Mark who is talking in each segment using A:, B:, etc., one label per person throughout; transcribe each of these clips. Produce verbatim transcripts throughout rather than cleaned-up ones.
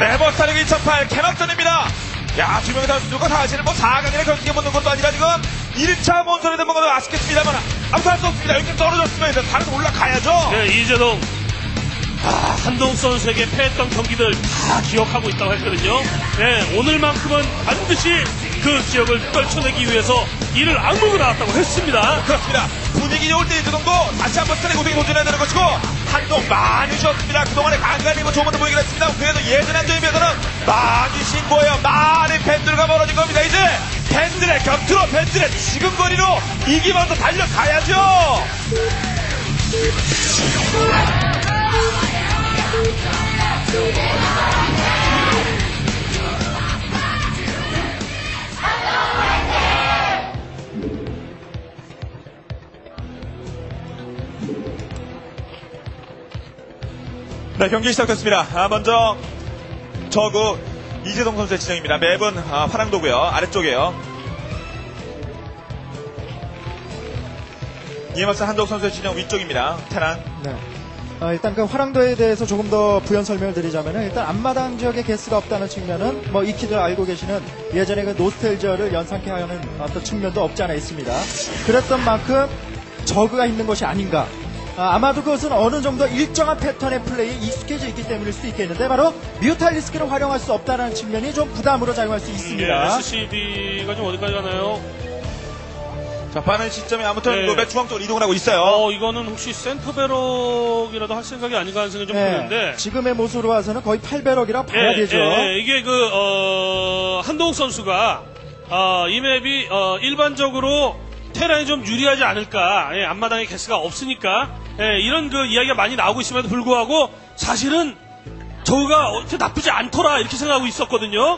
A: 네버 스타리그 이천팔 개막전입니다. 야, 두 명의 선수가 사실은 뭐 사 강에 경기에 붙는 것도 아니라 지금 일 차 본선에 된 뭔가 아쉽겠습니다만 아무튼 할 수 없습니다. 여기 떨어졌으면 다른 올라가야죠.
B: 네, 이재동. 아, 한동욱 선수에게 패했던 경기들 다 기억하고 있다고 했거든요. 네, 오늘만큼은 반드시 그 기억을 떨쳐내기 위해서 이를 악물고 나왔다고 했습니다.
A: 그렇습니다. 분위기 좋을 때 이정도 다시 한번 스타리 고등에 도전해야 되는 것이고 한동 많이 쉬었습니다. 그동안에 간간히 뭐 좋은 것도 보이긴 했습니다. 그래도 예전 한정에 비해서는 많이 쉰 거예요. 많은 팬들과 멀어진 겁니다. 이제 팬들의 곁으로 팬들의 지금거리로 이기면서 달려가야죠. 네, 경기 시작됐습니다. 아, 먼저 저그 이재동 선수의 지정입니다. 맵은 아, 화랑도고요. 아래쪽이에요. 이에 맞서 한동욱 선수의 지정 위쪽입니다. 테란.
C: 네. 어, 일단 그 화랑도에 대해서 조금 더 부연 설명을 드리자면은 일단 앞마당 지역에 게스가 없다는 측면은 뭐 익히들 알고 계시는 예전에 그 노스텔지어를 연상케 하는 어떤 측면도 없지 않아 있습니다. 그랬던 만큼 저그가 있는 것이 아닌가. 아, 아마도 그것은 어느 정도 일정한 패턴의 플레이에 익숙해져 있기 때문일 수도 있겠는데 바로 뮤탈리스크를 활용할 수 없다는 측면이 좀 부담으로 작용할 수 있습니다.
B: 예, 에스씨비가 좀 어디까지 가나요?
A: 자, 빠른 시점에 아무튼
B: 네.
A: 그 맨 중앙 쪽으로 이동을 하고 있어요.
B: 어, 이거는 혹시 센터베럭이라도 할 생각이 아닌가 하는 생각이 좀
C: 네,
B: 드는데.
C: 지금의 모습으로 봐서는 거의 팔 배럭이라 봐야
B: 예,
C: 되죠.
B: 예, 예, 이게 그, 어, 한동욱 선수가, 어, 이 맵이, 어, 일반적으로 테란이 좀 유리하지 않을까. 예, 앞마당에 개스가 없으니까. 예, 이런 그 이야기가 많이 나오고 있음에도 불구하고, 사실은, 저우가 어떻게 나쁘지 않더라. 이렇게 생각하고 있었거든요.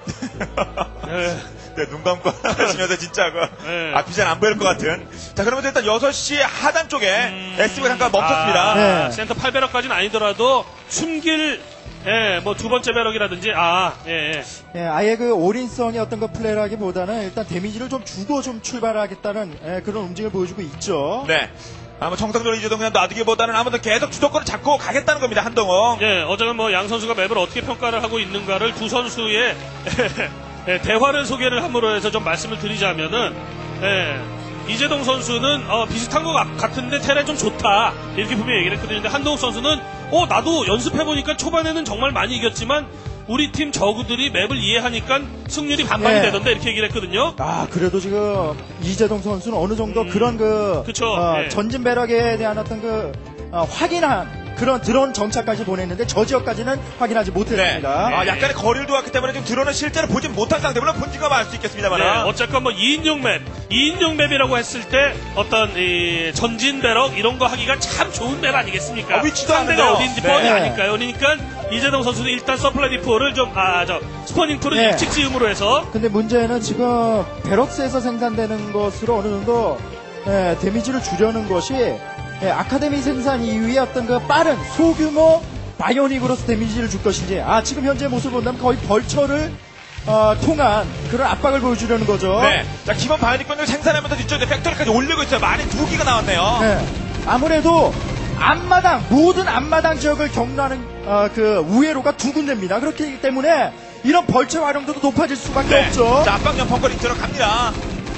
B: 예.
A: 네, 눈 감고 하시면서 진짜 그
B: 네.
A: 앞이 잘 안 보일 것 같은. 자, 그러면 일단 여섯 시 하단 쪽에
B: 음...
A: 에스비가 잠깐 멈췄습니다.
B: 아,
C: 네.
B: 센터 팔 배럭까지는 아니더라도 숨길 예, 뭐 두 번째 배럭이라든지 아, 예, 예.
C: 예, 아예 그 올인성의 어떤 그 플레이라기보다는 일단 데미지를 좀 주고 좀 출발하겠다는 예, 그런 움직임을 보여주고 있죠.
A: 네. 아마 정상적으로 이재동 그냥 놔두기보다는 아무튼 계속 주도권을 잡고 가겠다는 겁니다, 한동욱.
B: 예, 어제는 뭐 양 선수가 맵을 어떻게 평가를 하고 있는가를 두 선수의 예, 대화를 소개를 함으로 해서 좀 말씀을 드리자면은 예, 이재동 선수는 어, 비슷한 것 같- 같은데 테란이 좀 좋다 이렇게 분명히 얘기를 했거든요. 근데 한동욱 선수는 어 나도 연습해보니까 초반에는 정말 많이 이겼지만 우리 팀 저구들이 맵을 이해하니까 승률이 반반이
C: 예.
B: 되던데 이렇게 얘기를 했거든요.
C: 아, 그래도 지금 이재동 선수는 어느 정도
B: 음,
C: 그런 그
B: 그쵸,
C: 어,
B: 예.
C: 전진 배럭에 대한 어떤 그 어, 확인한 그런 드론 정찰까지 보냈는데 저 지역까지는 확인하지
A: 네.
C: 못했습니다.
A: 아, 약간의 거리를 두었기 때문에 지금 드론은 실제로 보진 못한 상태. 물론 본진과 알 수 있겠습니다만.
B: 네, 어쨌건 뭐 이인용 맵, 이인용 맵이라고 했을 때 어떤 이 전진 배럭 이런 거 하기가 참 좋은 맵 아니겠습니까?
A: 아, 위치도
B: 상대가
A: 아는데요.
B: 어딘지
A: 네.
B: 뻔히 아니까요. 그러니까 이재동 선수는 일단 서플라이 디포를 좀 아 저 스포닝 풀을
C: 네.
B: 일찍 지음으로 해서
C: 근데 문제는 지금 베럭스에서 생산되는 것으로 어느 정도 예, 데미지를 주려는 것이 예, 아카데미 생산 이후에 어떤 그 빠른 소규모 바이오닉으로서 데미지를 줄 것인지 아 지금 현재 모습을 본다면 거의 벌처를 어, 통한 그런 압박을 보여주려는 거죠.
A: 네. 자, 기본 바이닉권을 생산하면서 뒤쪽에 팩토리까지 올리고 있어요. 많이 두 기가 나왔네요.
C: 네. 아무래도 앞마당 모든 앞마당 지역을 경로하는 어, 그 우회로가 두 군데입니다. 그렇기 때문에 이런 벌처 활용도도 높아질 수밖에
A: 네.
C: 없죠.
A: 자, 압박형 벙커리 들어갑니다.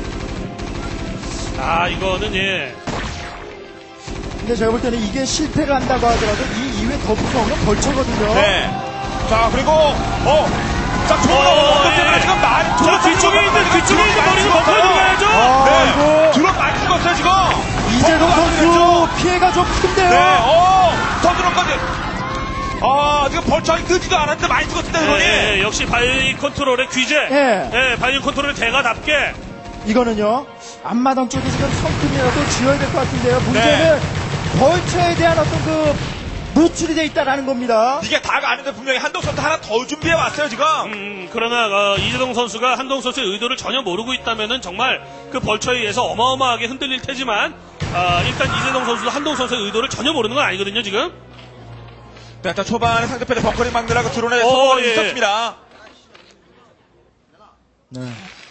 B: 아 이거는 예.
C: 근데 제가 볼 때는 이게 실패를 한다고 하더라도 이 이후에 더 무서운 건 벌처거든요.
A: 네. 자, 그리고 어. 자, 좋은
B: 어,
A: 언덕 때문에
B: 예.
A: 지금 많이
B: 저 뒤쪽에 있는 뒤쪽에 있는 머리는 먹고 들어가야죠.
C: 아,
A: 네.
C: 이거
A: 드론 많이 죽었어요, 지금.
C: 이재동
A: 벙커가
C: 선수
A: 들어갔죠.
C: 피해가 좀 큰데요.
A: 네, 어, 더 드론까지. 아, 지금 벌처하기 뜨지도 않았는데 많이 죽었습니다, 드론이.
B: 예, 예, 역시 바이오 컨트롤의 귀재.
C: 예.
B: 예, 바이오 컨트롤의 대가답게.
C: 이거는요 앞마당 쪽에 지금 성큼이라도 지어야 될 것 같은데요. 문제는 벌처에 대한 어떤 그 노출이 돼 있다라는 겁니다.
A: 이게 다가 아닌데 분명히 한동 선수 하나 더 준비해 왔어요, 지금.
B: 음, 그러나 어, 이재동 선수가 한동 선수의 의도를 전혀 모르고 있다면은 정말 그 벌처에 의해서 어마어마하게 흔들릴 테지만 아, 일단 이재동 선수도 한동 선수의 의도를 전혀 모르는 건 아니거든요, 지금.
A: 네, 일단 초반에 상대편의 벙커링 막느라고 드론에
B: 어,
A: 성공이
B: 예.
A: 있었습니다.
C: 네.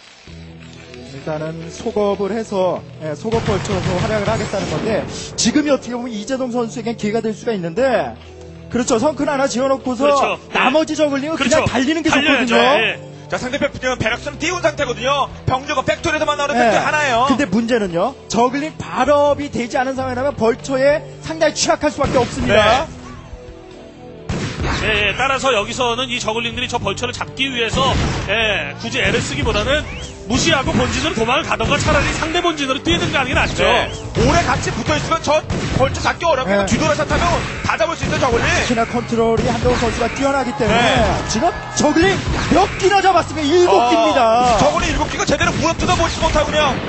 C: 일단은 속업을 해서 예, 속업 벌쳐서 활약을 하겠다는 건데 지금이 어떻게 보면 이재동 선수에겐 기회가 될 수가 있는데 그렇죠. 성큰 하나 지어놓고서
B: 그렇죠.
C: 나머지 저글링은
B: 그렇죠.
C: 그냥 달리는 게
B: 달려야죠.
C: 좋거든요.
B: 예.
A: 자, 상대편 배럭스는 띄운 상태거든요. 병력은 팩토리에서만 나오는
C: 네.
A: 팩토리 하나예요.
C: 근데 문제는요. 저글링 발업이 되지 않은 상황이라면 벌처에 상당히 취약할 수밖에 없습니다.
A: 네.
B: 예, 예, 따라서 여기서는 이 저글링들이 저 벌처를 잡기 위해서 예, 굳이 애를 쓰기보다는 무시하고 본진으로 도망을 가던가 차라리 상대 본진으로 뛰든가 하는 게 낫죠.
A: 네. 오래 같이 붙어있으면 저 벌써 잡기 어렵게
C: 네.
A: 뒤돌아서 타면 다 잡을 수 있어요, 저걸리.
C: 특히나 컨트롤이 한동훈 선수가 뛰어나기 때문에
A: 네.
C: 지금 저글링 몇 기나 잡았으면 일곱 기입니다.
A: 저걸리 일곱 기가 제대로 물어 뜯어보지 못하고 그냥.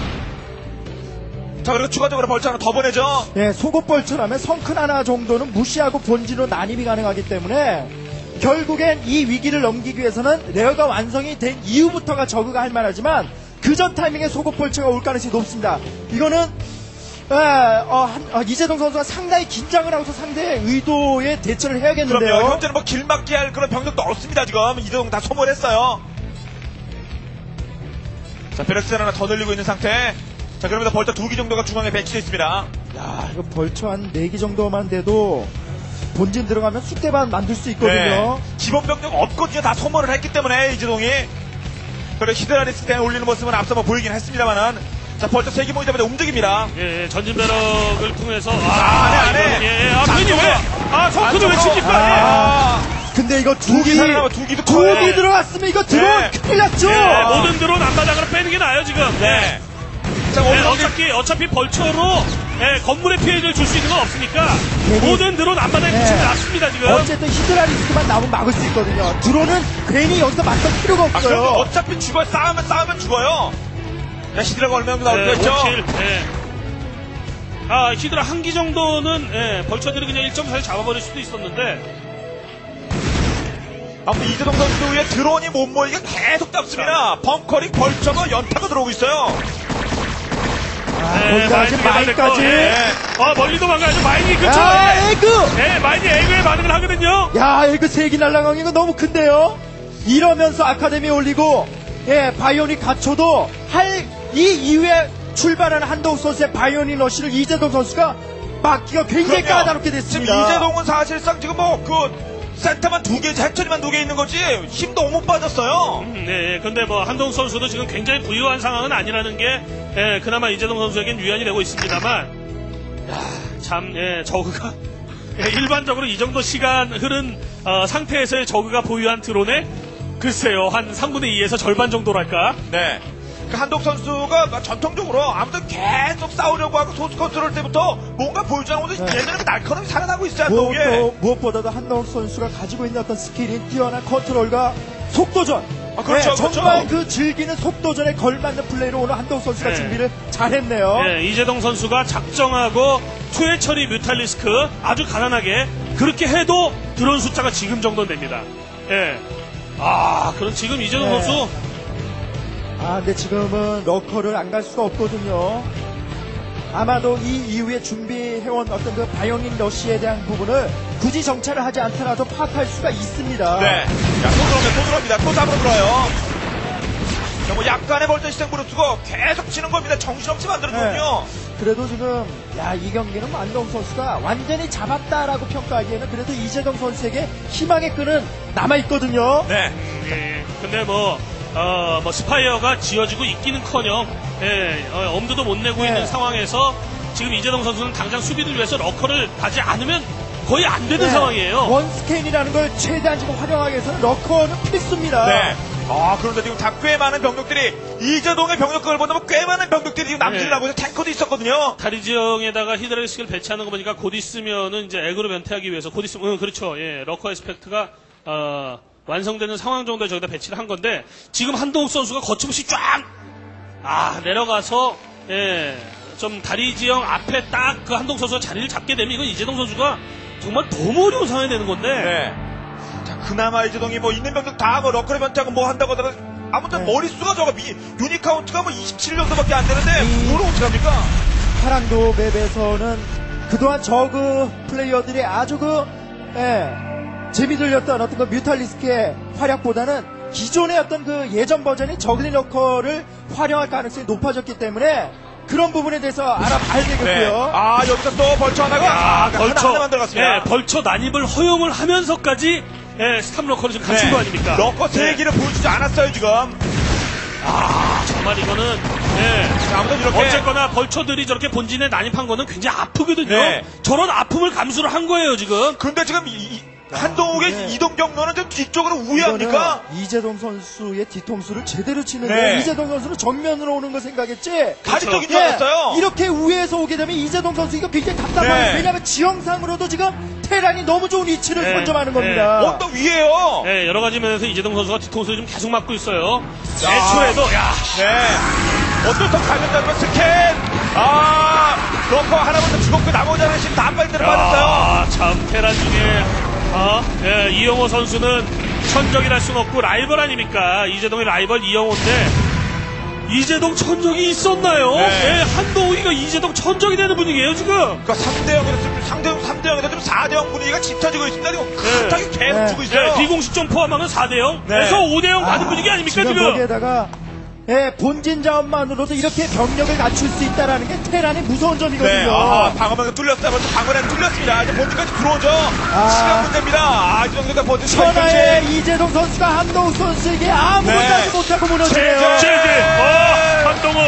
A: 자, 그리고 추가적으로 벌써 하나 더 보내죠.
C: 예, 속옷벌처라면 성큰 하나 정도는 무시하고 본진으로 난입이 가능하기 때문에 결국엔 이 위기를 넘기기 위해서는 레어가 완성이 된 이후부터가 저그가 할 만하지만 그 전 타이밍에 속옷벌처가 올 가능성이 높습니다. 이거는 에, 어, 한, 어, 이재동 선수가 상당히 긴장을 하고서 상대의 의도에 대처를 해야겠는데요.
A: 그럼요. 현재는 뭐 길막기 할 그런 병력도 없습니다, 지금. 이동 다 소모했어요. 자, 베렉스 하나 더 늘리고 있는 상태. 자, 그러면서 벌써 두 기 정도가 중앙에 배치되어 있습니다.
C: 야, 이거 벌처 한 네 기 정도만 돼도 본진 들어가면 쑥대밭 만들 수 있거든요.
A: 네. 기본 병력 없거든요. 다 소모를 했기 때문에 이재동이. 그래 히드라리스 때 올리는 모습은 앞서 뭐 보이긴 했습니다만은. 자, 벌써 세기 모이 때문에 움직입니다.
B: 예, 예, 전진 배럭을 통해서
A: 아, 안해, 안해.
B: 이건, 예, 예, 아, 괜히 왜? 아, 성크도 왜
A: 안쪽으로.
B: 칩니까?
A: 아,
C: 근데 이거
A: 두 기
C: 두기
A: 살아나면 두 기도
C: 두
A: 커요.
C: 기 들어갔으면 이거 들어온
A: 네.
C: 큰일 났죠.
B: 예, 예, 모든 드론 앞바닥으로 빼는 게 나아요, 지금.
A: 네. 자,
B: 예,
A: 오늘 어디
B: 어차피, 어차피 벌처로 예, 건물에 피해를 줄 수 있는 건 없으니까
C: 괜히-
B: 모든 드론 앞바닥에
C: 네.
B: 붙이면 낫습니다, 지금.
C: 어쨌든 히드라 리스크만 나오면 막을 수 있거든요. 드론은 괜히 여기서 맞설 필요가
A: 아, 그럼
C: 없어요.
A: 어차피 죽어요. 싸우면 싸우면 죽어요. 야, 히드라가 얼마 정도 나올
B: 예,
A: 거였죠?
B: 오 킬, 예. 아, 히드라 한 기 정도는 예, 벌처들이 그냥 일 점 사에 잡아버릴 수도 있었는데
A: 아무튼 이재동 선수 위에 드론이 못 모이게 계속 잡습니다. 벙커링 벌처가 연타가 들어오고 있어요.
C: 아,
B: 예,
C: 거기까지
B: 마인드가
C: 마인까지.
B: 됐고, 예. 아, 멀리 도망가야죠. 마인이 그쵸?
C: 야,
B: 예.
C: 에그!
B: 예, 마인이 에그에 반응을 하거든요.
C: 야, 에그 세기 날라간 이거 너무 큰데요? 이러면서 아카데미 올리고, 예, 바이오닉 갖춰도 할, 이 이후에 출발하는 한동욱 선수의 바이오닉 러쉬를 이재동 선수가 막기가 굉장히
A: 그럼요.
C: 까다롭게
A: 지금
C: 됐습니다.
A: 이재동은 사실상 지금 뭐 그 센터만 두 개, 해처리만 두 개 있는 거지 힘도 못 빠졌어요.
B: 음, 네, 근데 뭐 한동 선수도 지금 굉장히 부유한 상황은 아니라는 게 예, 그나마 이재동 선수에겐 유연이 되고 있습니다만, 야, 참 예, 저그가 예, 일반적으로 이 정도 시간 흐른 어, 상태에서의 저그가 보유한 드론에 글쎄요 한 삼분의 이에서 절반 정도랄까.
A: 네. 그 한독 선수가 전통적으로 아무튼 계속 싸우려고 하고 소스 컨트롤 때부터 뭔가 보여주지 않고
C: 네.
A: 얘네는 날카롭게 살아나고 있어요. 한독이.
C: 무엇도, 무엇보다도 한동욱 선수가 가지고 있는 어떤 스킬이 뛰어난 컨트롤과 속도전.
A: 아, 그렇죠,
C: 네,
A: 그렇죠.
C: 정말 그 즐기는 속도전에 걸맞는 플레이로 오늘 한동욱 선수가
B: 네.
C: 준비를 잘했네요.
B: 예, 이재동 선수가 작정하고 투회 처리 뮤탈리스크 아주 가난하게 그렇게 해도 드론 숫자가 지금 정도는 됩니다. 예. 아, 그럼 지금 이재동
C: 네.
B: 선수
C: 아, 근데 지금은 러커를 안 갈 수가 없거든요. 아마도 이 이후에 준비해온 어떤 그 바이오닉 러시에 대한 부분을 굳이 정찰을 하지 않더라도 파악할 수가 있습니다.
A: 네. 자, 또 들어옵니다. 또 들어옵니다. 또 잡으러 들어요. 자, 뭐 약간의 벌전 시장부를 쓰고 계속 치는 겁니다. 정신없이 만들어주거든요.
C: 그래도 지금 야, 이 경기는 뭐 안동 선수가 완전히 잡았다라고 평가하기에는 그래도 이재동 선수에게 희망의 끈은 남아있거든요.
A: 네.
B: 예, 근데 뭐, 어, 뭐, 스파이어가 지어지고 있기는커녕, 예, 어, 엄두도 못 내고
C: 네.
B: 있는 상황에서 지금 이재동 선수는 당장 수비를 위해서 러커를 가지 않으면 거의 안 되는
C: 네.
B: 상황이에요.
C: 원스캔이라는 걸 최대한 지금 활용하기 위해서는 러커는 필수입니다.
A: 네. 아, 그런데 지금 다 꽤 많은 병력들이 이재동의 병력을 보면 꽤 많은 병력들이 지금 남진을
B: 네.
A: 하고 있어요. 탱커도 있었거든요.
B: 다리 지형에다가 히드라리스크를 배치하는 거 보니까 곧 있으면은 이제 에그로 변태하기 위해서 곧 있으면, 응, 그렇죠. 예, 러커 에스펙트가, 어, 완성되는 상황 정도에 저기다 배치를 한 건데, 지금 한동욱 선수가 거침없이 쫙! 아, 내려가서, 예, 좀 다리 지형 앞에 딱 그 한동욱 선수가 자리를 잡게 되면 이건 이재동 선수가 정말 너무 어려운 상황이 되는 건데,
A: 네. 자, 그나마 이재동이 뭐 있는 병력 다 뭐 러커를 변태하고 뭐 한다고 하다가 아무튼
C: 네.
A: 머릿수가 저거 미, 유닛 카운트가 뭐 이십칠 정도밖에 안 되는데
C: 이-
A: 그걸 어떡합니까?
C: 파랑도 맵에서는 그동안 저그 플레이어들이 아주 그, 예, 재미 들렸던 어떤 그 뮤탈리스크의 활약보다는 기존의 어떤 그 예전 버전의 저글링 러커를 활용할 가능성이 높아졌기 때문에 그런 부분에 대해서 알아봐야
A: 네.
C: 되겠고요.
A: 아, 여기서 또 벌초 하나가 아,
B: 벌처,
A: 하나, 하나만 들어갔습니다.
B: 예, 벌처 난입을 허용을 하면서까지 예, 스탑러커를 지금 갖춘 거 아닙니까?
A: 러커 세
B: 예.
A: 개를 보여주지 않았어요, 지금.
B: 아, 정말 이거는 예.
A: 자, 아무튼 이렇게.
B: 어쨌거나 벌처들이 저렇게 본진에 난입한 거는 굉장히 아프거든요.
A: 네.
B: 저런 아픔을 감수를 한 거예요 지금.
A: 근데 지금 이, 이, 한동욱의
C: 네.
A: 이동 경로는 좀 뒤쪽으로 우회합니까?
C: 이거는 이재동 선수의 뒤통수를 제대로 치는데
A: 네.
C: 이재동 선수는 정면으로 오는 거 생각했지.
A: 다리 쪽인 줄
C: 예,
A: 알았어요.
C: 이렇게 우회해서 오게 되면 이재동 선수 이거 굉장히 답답해요.
A: 네.
C: 왜냐하면 지형상으로도 지금 테란이 너무 좋은 위치를
B: 네.
C: 선점하는
B: 네.
C: 겁니다.
A: 언덕 위에요.
B: 예, 여러 가지 면에서 이재동 선수가 뒤통수를 좀 계속 맞고 있어요.
A: 야.
B: 애초에도 야,
A: 네. 어쩔 수 없이 가면다면 스캔. 아, 러커 하나부터 죽었고 나머지 하나씩 다 한 발대로 빠졌어요.
B: 아, 참 테란 중에 아, 예, 이영호 선수는 천적이랄 순 없고 라이벌 아닙니까? 이재동의 라이벌 이영호인데 이재동 천적이 있었나요?
A: 네.
B: 예, 한동욱이가 이재동 천적이 되는 분위기예요 지금.
A: 그러니까 삼 대 영에서 지금 상대 삼 대 영에서 지금 사 대 영 분위기가 짙어지고 있습니다. 그리고 크게 계속
C: 네.
A: 주고 있어요.
B: 예, 비공식점 포함하면 사 대 영.
A: 네.
B: 그래서 오 대 영 가는 분위기 아닙니까
C: 지금
B: 지금?
C: 거기에다가 예, 본진 자원만으로도 이렇게 병력을 갖출 수 있다라는 게 테란의 무서운 점이거든요.
A: 네, 아, 방어망이 뚫렸어요. 먼저 방어망이 뚫렸습니다. 이제 본진까지 들어오죠.
C: 아.
A: 시간 문제입니다. 아, 이 정도가 본진 시간
C: 천하의
A: 현재.
C: 이재동 선수가 한동욱 선수에게 아무것도
A: 네.
C: 하지 못하고 무너지네요.
A: 제재.
B: 제재. 어, 한동욱.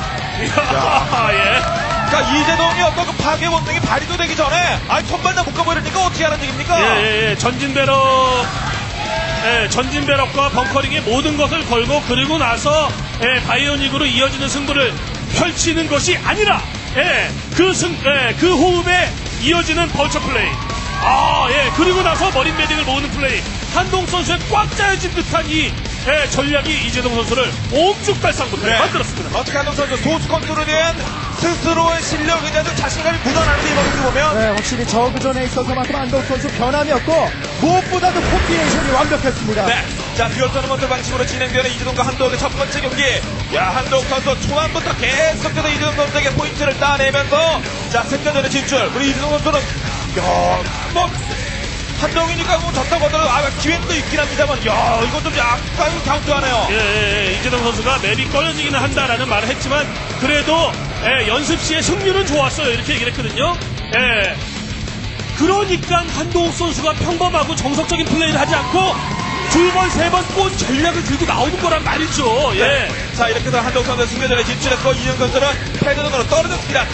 B: 이야, 예.
A: 그러니까 이재동이 어떤 그 파괴 본능이 발휘도 되기 전에 아니 손발 다 묶어버리니까 어떻게 하는 얘기입니까?
B: 예, 예, 예. 전진배럭, 예, 전진배럭과 벙커링의 모든 것을 걸고 그리고 나서 예, 바이오닉으로 이어지는 승부를 펼치는 것이 아니라 예, 그 승, 예, 그 호흡에 이어지는 벌처 플레이. 아, 예, 그리고 나서 머린 매딩을 모으는 플레이. 한동 선수의 꽉 짜여진 듯한 이 예, 전략이 이재동 선수를 옴죽달상부터
A: 네.
B: 만들었습니다.
A: 어떻게 한동 선수 소수 컨트롤에 대한 스스로의 실력에 대한 자신감이 묻어나는 이 모습을 보면
C: 네, 확실히 저그전에 있어서만큼 한동욱 선수 변함이 없고 무엇보다도 콤비네이션이 완벽했습니다.
A: 네. 자, 듀얼 토너먼트 방식으로 진행되는 이재동과 한동욱의 첫 번째 경기. 야, 한동욱 선수 초반부터 계속해서 이재동 선수에게 포인트를 따내면서 자, 승자전에 진출. 그리고 이재동 선수는 야, 뭐 한동욱이니까 뭐 졌다고 하더라도 아, 기회도 있긴 합니다만 야, 이거 좀 약간 카운트하네요.
B: 예, 예, 예. 이재동 선수가 맵이 꺼려지기는 한다라는 말을 했지만 그래도 예, 연습 시에 승률은 좋았어요 이렇게 얘기를 했거든요. 예. 그러니까 한동욱 선수가 평범하고 정석적인 플레이를 하지 않고 두 번, 세 번 꼰 전략을 들고 나오는 거란 말이죠. 예.
A: 자, 이렇게 해서 한동욱 선수 승자전에 진출했고 이재동 선수는 패드전으로 떨어졌습니다.